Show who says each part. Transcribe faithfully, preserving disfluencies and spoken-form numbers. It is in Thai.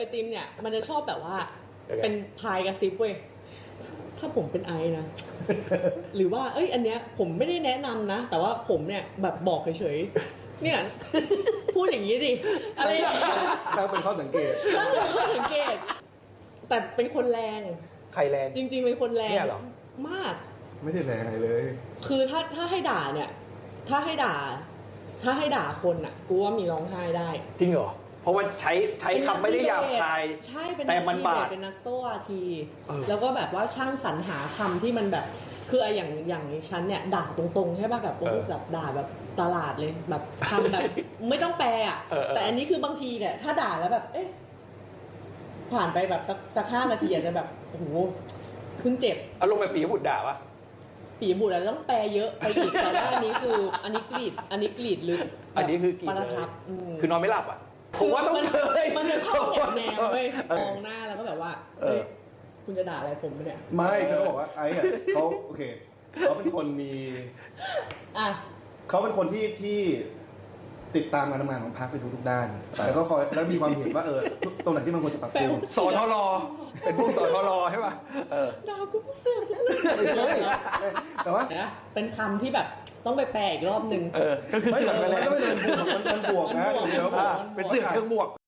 Speaker 1: ไอติมเนี่ยมันจะชอบแบบว่าเป็นพายกระซิบเว้ยถ้าผมเป็นไอนะ หรือว่าเอ้ยอันเนี้ยผมไม่ได้แนะนำนะแต่ว่าผมเนี่ยแบบบอกเฉยๆเนี่ย พูดอย่างนี้ดิอะไรอย่างเงี้ย
Speaker 2: ถ้าเป็นข้อสังเกต
Speaker 1: ต้องเป็นข้อสังเกตแต่เป็นคนแรง
Speaker 3: ใครแรง
Speaker 1: จริงๆเป็นคนแรง
Speaker 3: เนี่ยเหรอ
Speaker 1: มาก
Speaker 2: ไม่ได้แรงอะไรเลย
Speaker 1: คือถ้าถ้าให้ด่าเนี่ย ถ้าให้ด่า ถ้าให้ด่าคนอ่ะกูว่ามีร้องไห้ได้
Speaker 3: จริงเหรอเพราะว่าใช้ใช้คำไม่ได้หยาบคาย
Speaker 1: ใช่เป็น
Speaker 3: แต่มันบาด
Speaker 1: เป็นนักโต้วาที
Speaker 3: เออ
Speaker 1: แล้วก็แบบว่าช่างสรรหาคำที่มันแบบคืออย่างอย่างฉันเนี่ยด่าตรงๆใช่ป่ะแบบแบบด่าแบบตลาดเลยแบบคำแบบ ไม่ต้องแปลอ่ะแต่อันนี้คือบางทีเนี่ยถ้าด่าแล้วแบบ เอ๊ะผ่านไปแบบสักสักห้านาทีอาจจะแบบโอ้โหเพิ่งเจ็บ
Speaker 3: อารมณ์แบบปีบุตรด่าปะ
Speaker 1: ปีบุตรต้องแปลเยอะไปอีกแต่ว่าอันนี้คืออันนี้กรีดอันนี้กรีดลึก
Speaker 3: อันนี้คือกรีด
Speaker 1: ประทับ
Speaker 3: คือนอนไม่หลับอ่ะผมว่าต้องเคย
Speaker 1: มันจะชอบแอบแนวเว้ยมองหน้าแล้วก็แบบว่าเฮ้ยคุณจะด่าอะไรผมเนี่ย
Speaker 2: ไม่เขาบอกว่าไอ้อะเขาโอเคเขาเป็นคนมี
Speaker 1: อ่ะ
Speaker 2: เขาเป็นคนที่ที่ติดตามการทำงานของพรรคในทุกๆด้าน แล้วก็คอยแล้วมีความเห็นว่าเออตรงไหนที่มันควรจะปรับปรุง
Speaker 3: สทรเป็นพวกสทรใช่ป่ะเออ
Speaker 1: ด่ากูเสียจังเลย
Speaker 2: ไม่ใช่แต่ว่า
Speaker 1: นะเป็นคำที่แบบต้องไปแปลอีกรอบนึง
Speaker 3: เออก็คือ
Speaker 2: ไม่
Speaker 3: เสือก
Speaker 2: มัน
Speaker 3: ไปแล้ว
Speaker 2: ก็ไม่เดินบวกมันมันบวกนะ
Speaker 1: มันบวก
Speaker 2: เดี๋ยว
Speaker 3: อ่าเป็นเสือกเชิงบวก